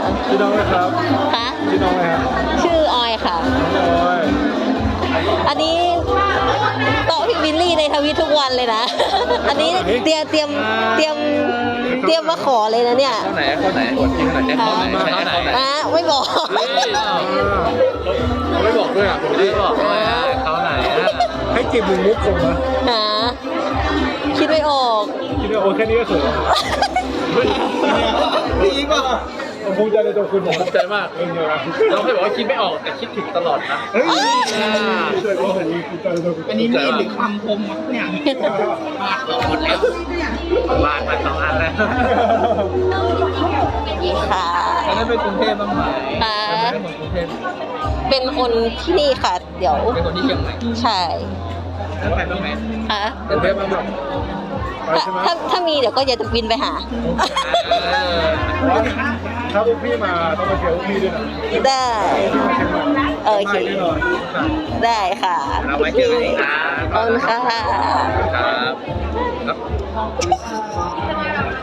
ชื่อน้องไหมครับคะชื่อน้องไหมครับชื่อออยค่ะน้องออยอันนี้โต๊ะพี่บิลลี่ในทวิตทุกวันเลยนะ อันนี้เตรียมมาขอเลยนะเนี่ยเข้าไหนเข้าไหนกดยิงไหนเข้าไหนเข้าไหนไม่บอกไม่บอกด้วยอ่ะผมไม่บอกด้วยอ่ะเข้าไหนอ่ะให้จีบมึงมุกส่งมาหาคิดไม่ออกคิดว่าโอ้แค่นี้ก็เขินพี่อีกป่ะผมภูมิใจในตัวคุณผมภูมิใจมากเออเนี่ยนะเราเคยบอกว่าคิดไม่ออกแต่คิดถึงตลอดนะเฮ้ยภูมิใจว่าผมภูมิใจในตัวคุณอันนี้มีดหรือคำคมวะเนี่ยหมดแล้วบานมา2 อันแล้วค่ะแล้วได้ไปกรุงเทพบ้างไหมค่ะเป็นคนกรุงเทพเป็นคนที่นี่ค่ะ เดี๋ยวเป็นคนที่เชียงใหม่ใช่แล้วไปบ้างไหมค่ะกรุงเทพบ้างไหมไปใช่ไหมถ้ามีเดี๋ยวก็จะบินไปหาถ้าพวกพี่มาต้องมาเจอพวกพี่ด้วยนะได้พี่มาเชียงใหม่โอเคแน่นอนได้ค่ะเราไว้เจอกันอีกนะขอบคุณค่ะครับ